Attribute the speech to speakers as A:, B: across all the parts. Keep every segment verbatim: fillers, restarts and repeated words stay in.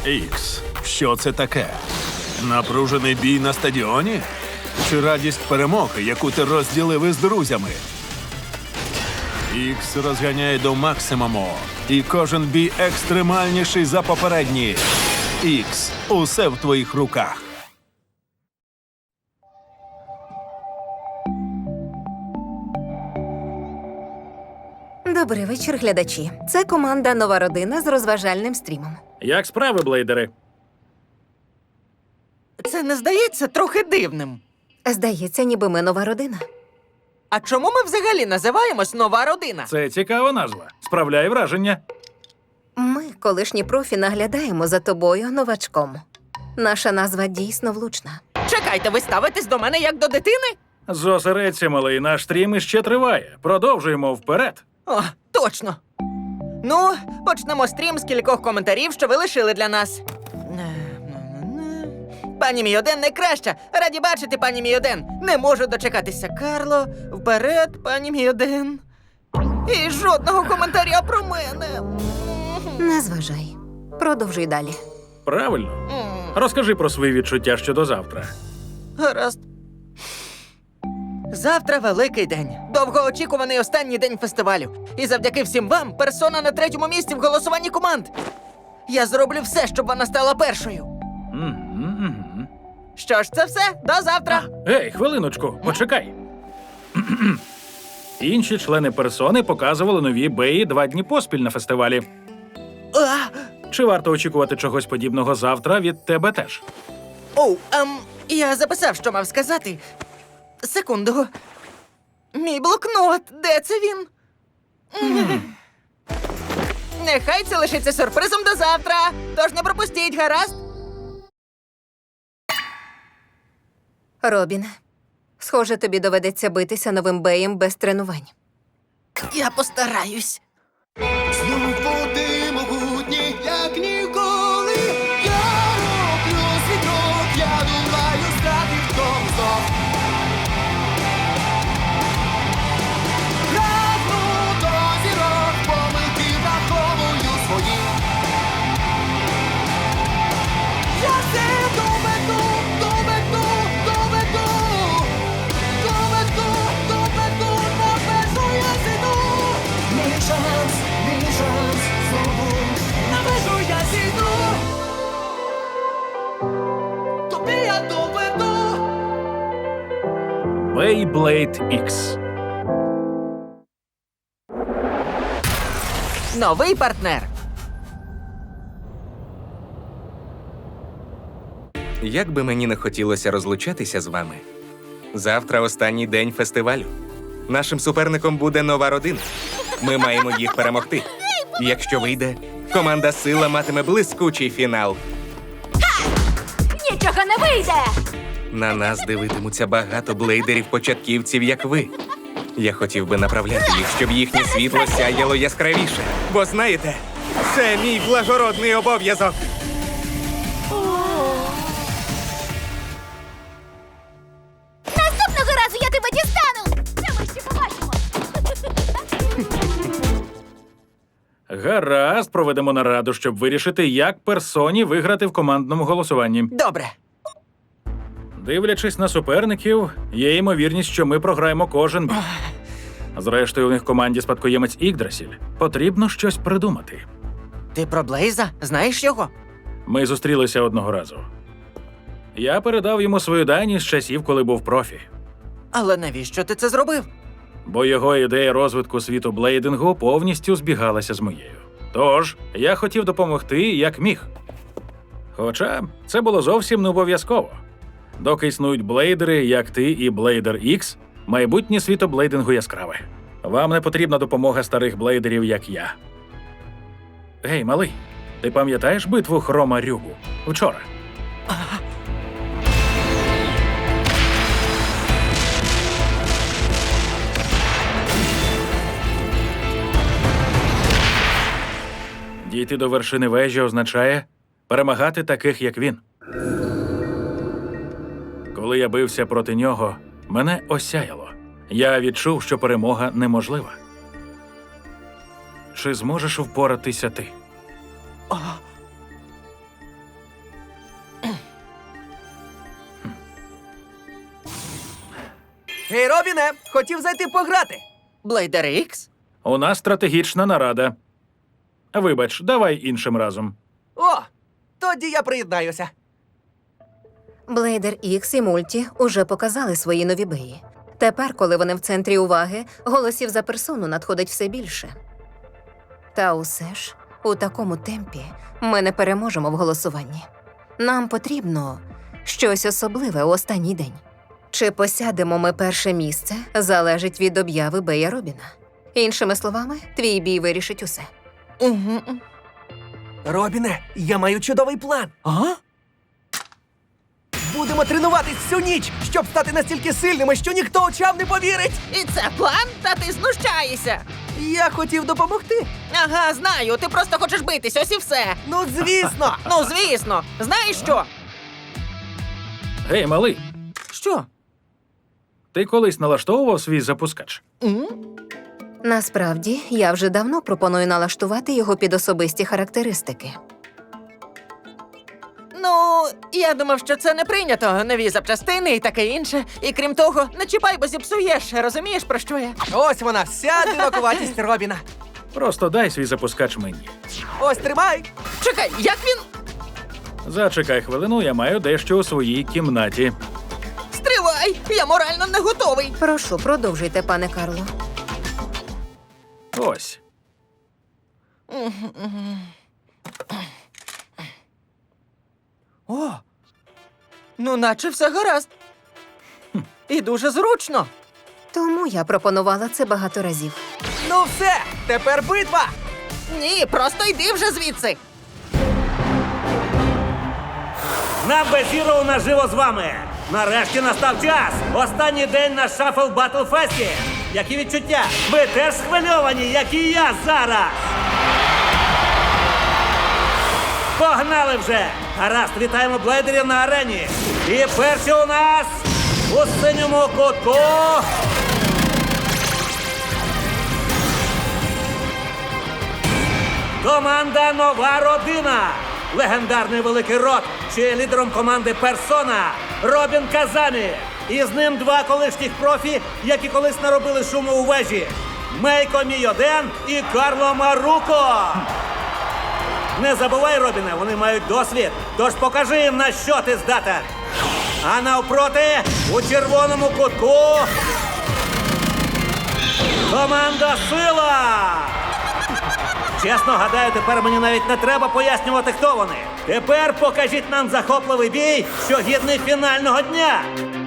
A: Ікс, що це таке? Напружений бій на стадіоні? Чи радість перемоги, яку ти розділив із друзями? Ікс розганяє до максимуму, і кожен бій екстремальніший за попередній. Ікс, усе в твоїх руках.
B: Добрий вечір, глядачі. Це команда «Нова родина» з розважальним стрімом.
C: Як справи, блейдери?
D: Це не здається трохи дивним.
B: Здається, ніби ми нова родина.
D: А чому ми взагалі називаємось «Нова родина»?
C: Це цікава назва. Справляє враження.
B: Ми, колишні профі, наглядаємо за тобою новачком. Наша назва дійсно влучна.
D: Чекайте, ви ставитесь до мене як до дитини?
C: Зосередься, малий, наш стрім іще триває. Продовжуємо вперед.
D: О, точно. Ну, почнемо стрім з кількох коментарів, що ви лишили для нас. Пані мій один найкраща. Раді бачити, пані мій один. Не можу дочекатися. Карло, вперед, пані мій один. І жодного коментаря про мене.
B: Не зважай. Продовжуй далі.
C: Правильно.
D: М,
C: Розкажи про свої відчуття щодо завтра.
D: Гаразд. Завтра великий день. Довгоочікуваний останній день фестивалю. І завдяки всім вам персона на третьому місці в голосуванні команд. Я зроблю все, щоб вона стала першою.
C: Мгм, мгм.
D: Що ж, це все. До завтра.
C: Ей, хвилиночку, почекай. Інші члени персони показували нові беї два дні поспіль на фестивалі.
D: А,
C: Чи варто очікувати чогось подібного завтра від тебе теж?
D: Оу, ем, я записав, що мав сказати. Секунду. Мій блокнот. Де це він? М. Нехай це лишиться сюрпризом до завтра. Тож не пропустіть, гаразд?
B: Робіне, схоже, тобі доведеться битися новим беєм без тренувань.
D: Я постараюсь.
E: Знов води могутні, як ніколи. Я роблю світок, я думаю, стати в тому знов. Прагну до зірок, помилки враховую свої. Я все доведу, доведу, доведу. Доведу, доведу, на межу я зійду. Мій шанс, мій шанс, знову на межу я зійду. Тобі я доведу.
C: Beyblade Ікс.
D: Новий партнер.
F: Як би мені не хотілося розлучатися з вами, завтра останній день фестивалю. Нашим суперником буде нова родина. Ми маємо їх перемогти. Якщо вийде, команда «Сила» матиме блискучий фінал.
G: Нічого не вийде!
F: На нас дивитимуться багато блейдерів-початківців, як ви. Я хотів би направляти їх, щоб їхнє світло сяяло яскравіше. Бо знаєте, це мій благородний обов'язок.
G: Наступного разу я тебе дістану! Це ми ще побачимо!
C: Гаразд, проведемо нараду, щоб вирішити, як персоні виграти в командному голосуванні.
D: Добре.
C: Дивлячись на суперників, є ймовірність, що ми програємо кожен бій. Зрештою, у них в команді спадкоємець Ігдрасіль. Потрібно щось придумати.
D: Ти про Блейза? Знаєш його?
C: Ми зустрілися одного разу. Я передав йому свою дані з часів, коли був профі.
D: Але навіщо ти це зробив?
C: Бо його ідея розвитку світу блейдингу повністю збігалася з моєю. Тож, я хотів допомогти, як міг. Хоча це було зовсім не обов'язково. Доки існують блейдери, як ти і Блейдер Ікс, майбутнє світо блейдингу яскраве. Вам не потрібна допомога старих блейдерів, як я. Гей, малий, ти пам'ятаєш битву Хрома Рюгу? Вчора. Дійти до вершини вежі означає перемагати таких, як він. Коли я бився проти нього, мене осяяло. Я відчув, що перемога неможлива. Чи зможеш впоратися ти?
H: Гей, Робіне, хотів зайти пограти.
D: Блейдер Ікс?
C: У нас стратегічна нарада. Вибач, давай іншим разом.
H: О, тоді я приєднаюся.
B: Блейдер Ікс і Мульті уже показали свої нові беї. Тепер, коли вони в центрі уваги, голосів за персону надходить все більше. Та усе ж, у такому темпі ми не переможемо в голосуванні. Нам потрібно щось особливе у останній день. Чи посядемо ми перше місце, залежить від обяви Бея Робіна. Іншими словами, твій бій вирішить усе.
D: Угу.
H: Робіне, я маю чудовий план.
D: Ага.
H: Будемо тренуватись всю ніч, щоб стати настільки сильними, що ніхто очам не повірить.
D: І це план? Та ти знущаєшся.
H: Я хотів допомогти.
D: Ага, знаю, ти просто хочеш битись, ось і все.
H: Ну, звісно.
D: Ну, звісно. Знаєш що?
C: Гей, малий,
D: Що?
C: ти колись налаштовував свій запускач?
D: М?
B: Насправді, я вже давно пропоную налаштувати його під особисті характеристики.
D: Ну, я думав, що це не прийнято. Нові запчастини і таке інше. І крім того, не чіпай, бо зіпсуєш. Розумієш, про що я?
H: Ось вона, вся дивакуватість Робіна.
C: Просто дай свій запускач мені.
H: Ось, тримай.
D: Чекай, як він?
C: Зачекай хвилину, я маю дещо у своїй кімнаті.
D: Стривай! Я морально не готовий.
B: Прошу, продовжуйте, пане Карло.
C: Ось.
D: О! Ну, наче все гаразд. І дуже зручно.
B: Тому я пропонувала це багато разів.
H: Ну все, тепер битва.
D: Ні, просто йди вже звідси.
I: На Безіро наживо з вами! Нарешті настав час! Останній день на Шафл Батл Фесті! Які відчуття? Ви теж схвильовані, як і я зараз! Погнали вже! Гаразд, вітаємо блейдерів на арені! І перші у нас у синьому кутку... Команда «Нова родина». Легендарний великий рот, що є лідером команди «Персона» Робін Казамі. І з ним два колишніх профі, які колись наробили шуму у вежі. Мейко Мійоден і Карло Маруко. Не забувай, Робіне, вони мають досвід, тож покажи їм, на що ти здатен. А навпроти, у червоному кутку... команда «Сила». Чесно, гадаю, тепер мені навіть не треба пояснювати, хто вони. Тепер покажіть нам захопливий бій, що гідний фінального дня.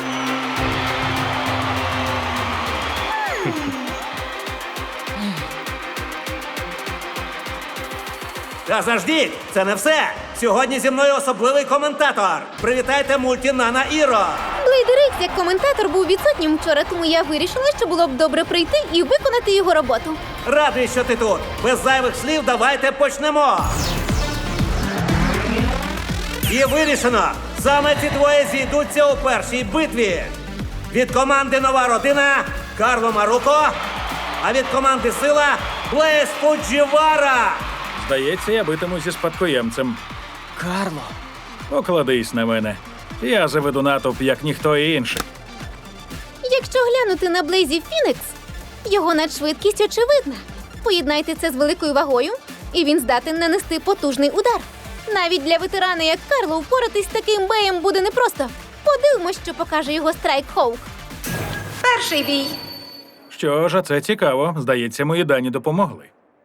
I: Та заждіть, це не все. Сьогодні зі мною особливий коментатор. Привітайте Мульті Нана Іро.
G: Блейдер Ікс як коментатор був відсутнім вчора, тому я вирішила, що було б добре прийти і виконати його роботу.
I: Радий, що ти тут. Без зайвих слів давайте почнемо. І вирішено. Саме ці двоє зійдуться у першій битві. Від команди «Нова родина» Карло Маруко, а від команди «Сила» Блейз Фуджівара.
C: Здається, я битиму зі спадкоємцем.
D: Карло.
C: Покладись на мене. Я заведу натовп, як ніхто інший.
G: Якщо глянути на Блейзі Фінікс, його надшвидкість очевидна. Поєднайте це з великою вагою, і він здатен нанести потужний удар. Навіть для ветерана, як Карло, впоратись з таким беєм буде непросто. Подивимось, що покаже його Страйк Хоук.
B: Перший бій.
C: Що ж, а це цікаво. Здається, мої дані допомогли.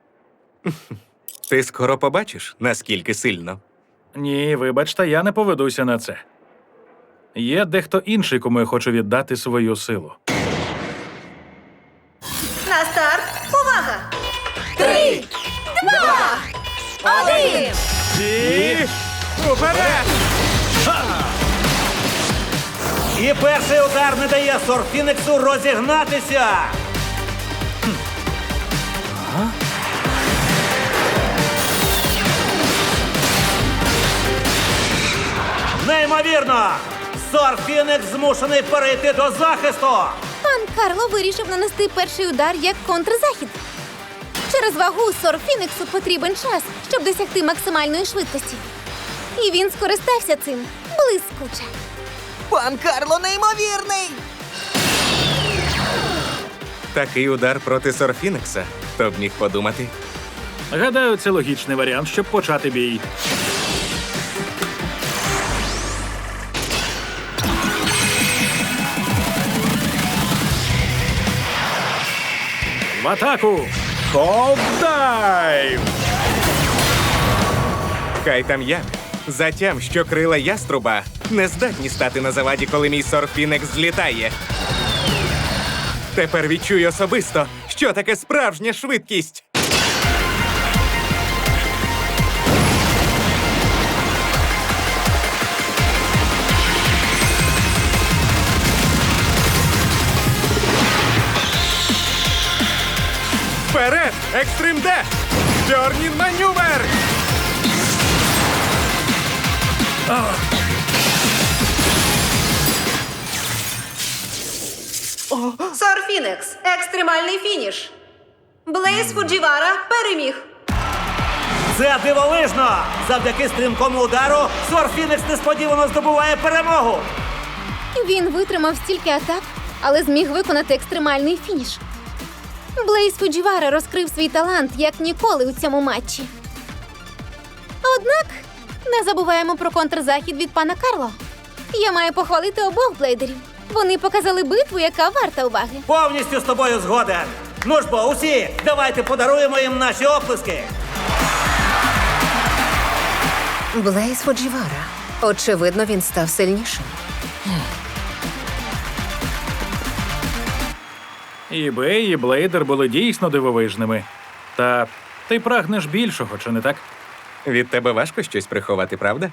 F: Ти скоро побачиш, наскільки сильно.
C: Ні, вибачте, я не поведуся на це. Є дехто інший, кому я хочу віддати свою силу.
B: На старт. Увага! Три, два, один!
C: І... уперед!
I: І перший удар не дає Сорфінексу розігнатися. Неймовірно! Сорфінекс змушений перейти до захисту.
G: Пан Карло вирішив нанести перший удар як контрзахід. Через вагу Сор Фініксу потрібен час, щоб досягти максимальної швидкості. І він скористався цим блискуче.
D: Пан Карло неймовірний!
F: Такий удар проти Сорфінекса. Хто б міг подумати?
C: Гадаю, це логічний варіант, щоб почати бій. В атаку! Холд-дайв!
F: Хай там як. Затям, що крила яструба не здатні стати на заваді, коли мій Сорфінекс злітає. Тепер відчую особисто, що таке справжня швидкість. Вперед! Екстрим Д! Тьорнін манювер!
B: Сорфінекс. Екстремальний фініш. Блейз Фуджівара переміг.
I: Це дивовижно! Завдяки стрімкому удару Сорфінекс несподівано здобуває перемогу!
G: Він витримав стільки атак, але зміг виконати екстремальний фініш. Блейз Фуджівара розкрив свій талант як ніколи у цьому матчі. Однак не забуваємо про контрзахід від пана Карло. Я маю похвалити обох блейдерів. Вони показали битву, яка варта уваги.
I: Повністю з тобою згоден! Ну ж бо, усі, давайте подаруємо їм наші оплески!
B: Блейз Фуджівара. Очевидно, він став сильнішим.
C: І Бей, і Блейдер були дійсно дивовижними. Та ти прагнеш більшого, чи не так?
F: Від тебе важко щось приховати, правда?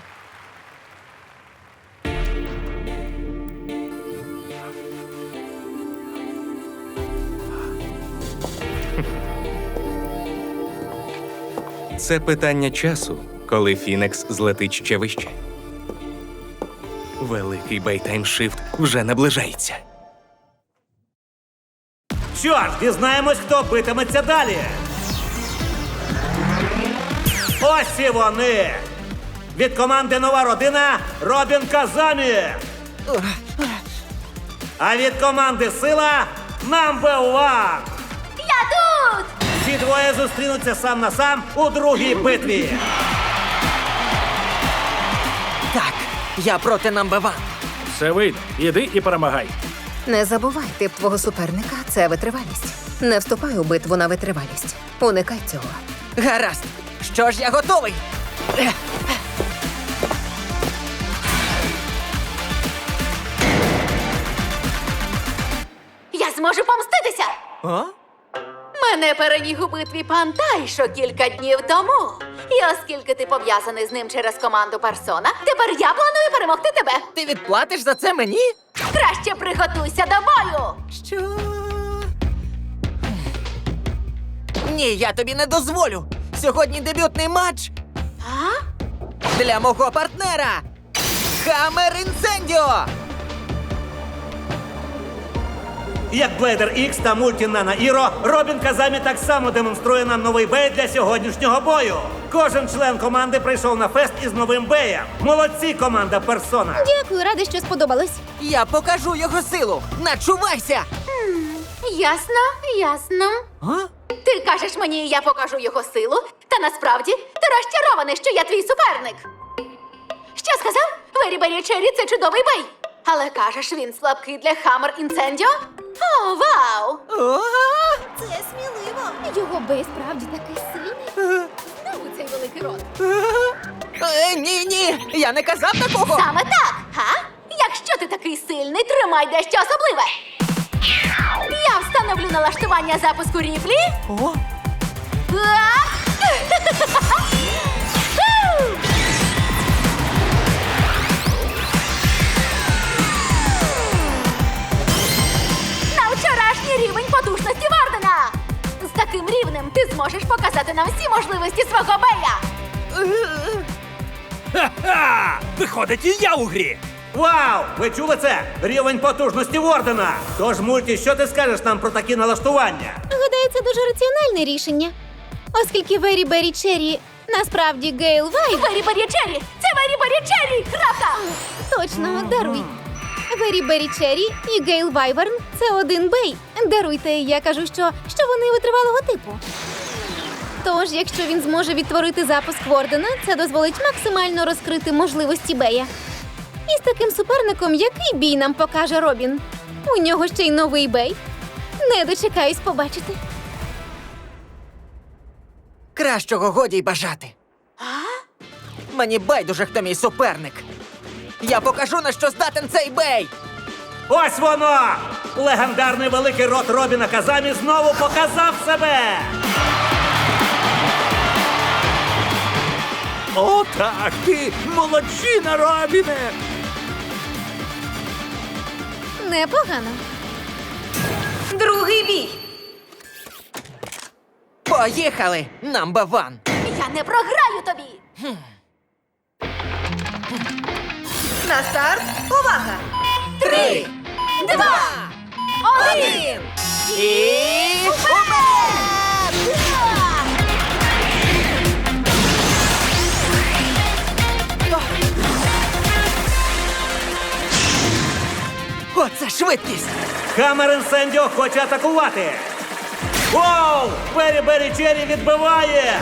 F: Це питання часу, коли Фінекс злетить ще вище. Великий бейтаймшифт вже наближається.
I: Що ж, дізнаємось, хто битиметься далі. Ось і вони! Від команди «Нова родина» Робін Казамі! А від команди «Сила» Number One!
G: Я тут!
I: Ці двоє зустрінуться сам на сам у другій битві.
D: Так, я проти Number One.
C: Все вийде. Іди і перемагай.
B: Не забувай, тип твого суперника – це витривалість. Не вступай у битву на витривалість. Уникай цього.
D: Гаразд. Що ж, я готовий.
G: Я зможу помститися!
D: О?
G: Мене переміг у битві пан Тайшо кілька днів тому. І оскільки ти пов'язаний з ним через команду Персона, тепер я планую перемогти тебе.
D: Ти відплатиш за це мені?
G: Краще приготуйся до бою!
D: Що? Ні, я тобі не дозволю. Сьогодні дебютний матч
G: А?
D: для мого партнера. Хаммер Інсендіо!
I: Як Блейдер Ікс та Мульті Нана Іро, Робін Казамі так само демонструє нам новий бей для сьогоднішнього бою. Кожен член команди прийшов на фест із новим беєм. Молодці, команда Персона!
G: Дякую, рада, що сподобалось.
D: Я покажу його силу. Начувайся!
G: Ясно, ясно.
D: А?
G: Ти кажеш мені, я покажу його силу, та насправді ти розчарований, що я твій суперник. Що сказав? Вері Бері Черрі – це чудовий бей. Але кажеш, він слабкий для Хаммер Інсендіо? О, вау!
D: О!
G: Це сміливо. Його бей справді такий сильний. Знову цей великий рот.
D: Е, ні, ні, я не казав такого.
G: Саме так, га? Якщо ти такий сильний, тримай дещо особливе. Я встановлю налаштування запуску ріплі.
D: О!
G: А! На вчорашній рівень потужності Вардена! З таким рівнем ти зможеш показати нам всі можливості свого бея!
I: Ха-ха! Виходить, і я у грі! Вау! Ви чули це? Рівень потужності Вордена! Тож, Мульті, що ти скажеш нам про такі налаштування?
G: Гадаю, це дуже раціональне рішення. Оскільки Вері Бері Черрі насправді Гейл Вайв... Вері Бері Черрі! Це Вері Бері Черрі! Крапка! Точно, даруй. Вері Бері Черрі і Гейл Вайверн – це один бей, Даруйте, я кажу, що, що вони витривалого типу. Тож, якщо він зможе відтворити запуск Вордена, це дозволить максимально розкрити можливості Бея. І з таким суперником, який бій нам покаже Робін? У нього ще й новий Бей. Не дочекаюсь побачити.
D: Кращого годі й бажати. Мені байдуже, хто мій суперник. Я покажу, на що здатен цей бей!
I: Ось воно! Легендарний великий рот Робіна Казамі знову показав себе!
C: О, так, ти молодчина, Робіне!
G: Непогано.
B: Другий бій.
D: Поїхали, number one!
G: Я не програю тобі!
B: На старт. Увага!
G: Три, два, один!
D: І... Оце швидкість!
I: Хаммер Інсендіо хоче атакувати! Воу! Бері Бері Черрі відбиває!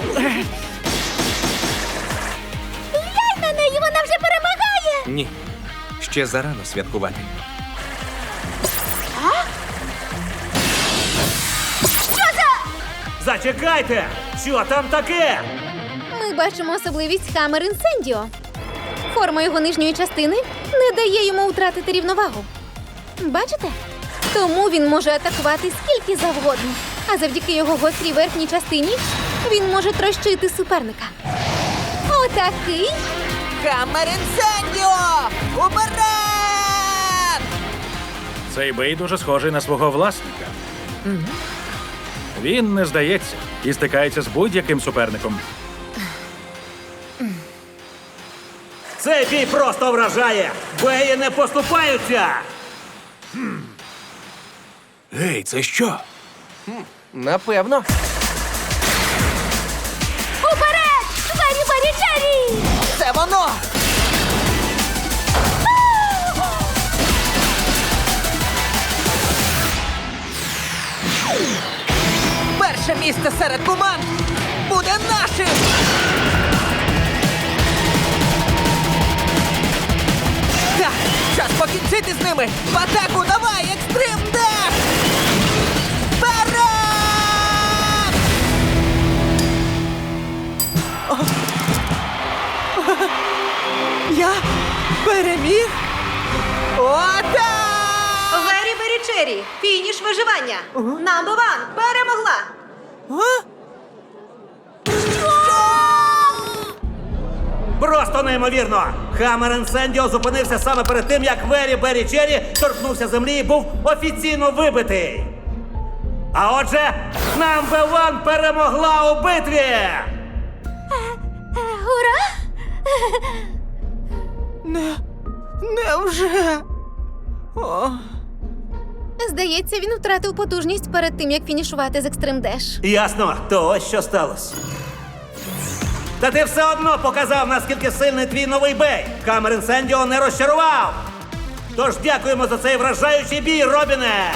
G: Глянь на неї, вона вже перемагає!
F: Ні. Ще зарано святкувати.
I: Зачекайте! Що там таке?
G: Ми бачимо особливість Хаммер Інсендіо. Форма його нижньої частини не дає йому втратити рівновагу. Бачите? Тому він може атакувати скільки завгодно. А завдяки його гострій верхній частині він може трощити суперника. Отакий.
D: Хаммер Інсендіо! Уперед!
C: Цей бей дуже схожий на свого власника. Він не здається і стикається з будь-яким суперником.
I: Цей бій просто вражає! Беї не поступаються!
C: Гей, це що?
H: Напевно.
G: Уперед! Бері Бері Черрі!
D: Це воно! Перше місце серед команд буде нашим! Так, час покінчити з ними! В атаку давай, екстрим деш! Вперед! О! Я переміг? Отак!
B: Вері Бері Черрі. Фініш виживання. Number one. Перемогла.
D: А?
I: Просто неймовірно! Хаммер Інсендіо зупинився саме перед тим, як Вері Бері Черрі торкнувся землі і був офіційно вибитий. А отже, Number One перемогла у битві!
G: Ура!
D: Не, невже? О,
G: Здається, він втратив потужність перед тим, як фінішувати з Екстрим Деш.
I: Ясно, то ось що сталося. Та ти все одно показав, наскільки сильний твій новий бей. Хаммер Інсендіо не розчарував. Тож дякуємо за цей вражаючий бій, Робіне!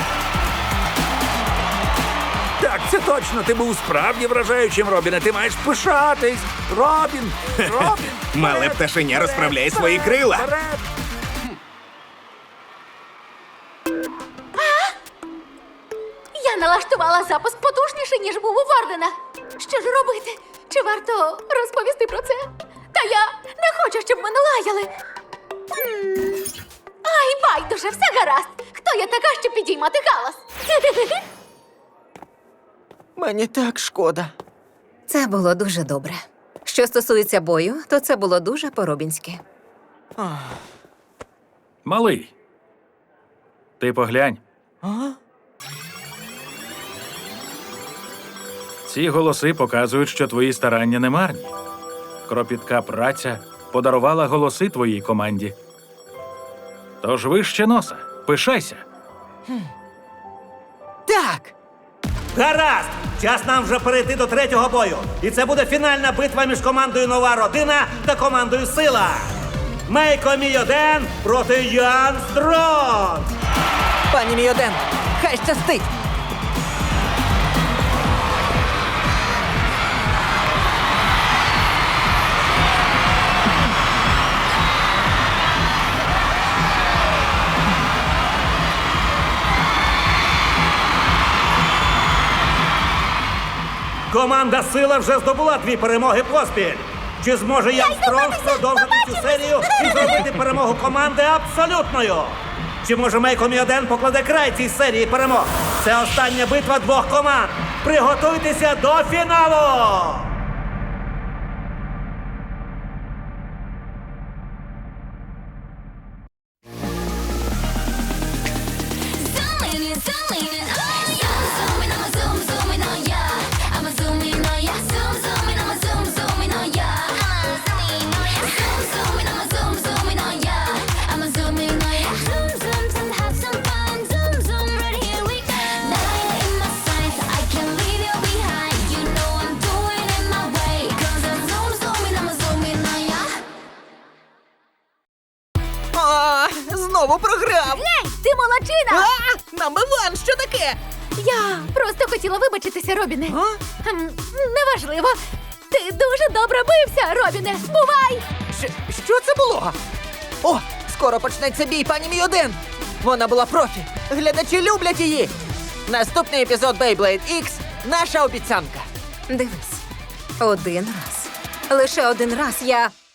C: Так, це точно. Ти був справді вражаючим, Робіне. Ти маєш пишатись. Робін! Робін!
F: Мале пташеня розправляє свої крила.
C: Вперед!
G: Я налаштувала запуск потужніше, ніж був у Вардена. Що ж робити? Чи варто розповісти про це? Та я не хочу, щоб мене лаяли. М. Ай, байдуже, все гаразд. Хто я така, щоб підіймати галас?
D: мені так шкода.
B: Це було дуже добре. Що стосується бою, то це було дуже по-робінськи.
C: Малий. Ти поглянь.
D: А?
C: Ці голоси показують, що твої старання не марні. Кропітка праця подарувала голоси твоїй команді. Тож вище носа. Пишайся.
D: Так!
I: Гаразд! Час нам вже перейти до третього бою. І це буде фінальна битва між командою Нова Родина та командою Сила. Мейко Мійоден проти Ян Стронг.
D: Пані Мійоден, Хай щастить!
I: Команда Сила вже здобула дві перемоги поспіль. Чи зможе Ян Стронг продовжити цю серію і зробити перемогу команди абсолютною? Чи може Мейко Міоден покладе край цій серії перемог? Це остання битва двох команд. Приготуйтеся до фіналу!
J: Zooming in, zooming in, oh yeah. Zooming, I'ma zoom, zooming, oh yeah. I'ma zoom in, oh yeah. Zoom, zooming, I'ma zoom, zooming, oh yeah. Zoom, zooming, I'ma zoom, zooming, oh yeah. I'ma zoom in, oh yeah. Zoom, zoom, zoom, have some fun. Zoom, zoom, right here we go. Nine in my sights, I can't leave you behind. You know I'm doing it my way. 'Cause I'm zoom, zooming, I'ma zoom in, oh yeah.
D: А, знову програв!
G: Гей, ти молодчина!
D: А, number one, що таке?
G: Я просто хотіла вибачитися, Робіне.
D: А?
G: Ем, Неважливо. Ти дуже добре бився, Робіне. Бувай!
D: Щ- що це було? О, скоро почнеться бій, пані Міоден. Вона була профі. Глядачі люблять її. Наступний епізод Beyblade X – наша обіцянка.
B: Дивись, один раз. Лише один раз я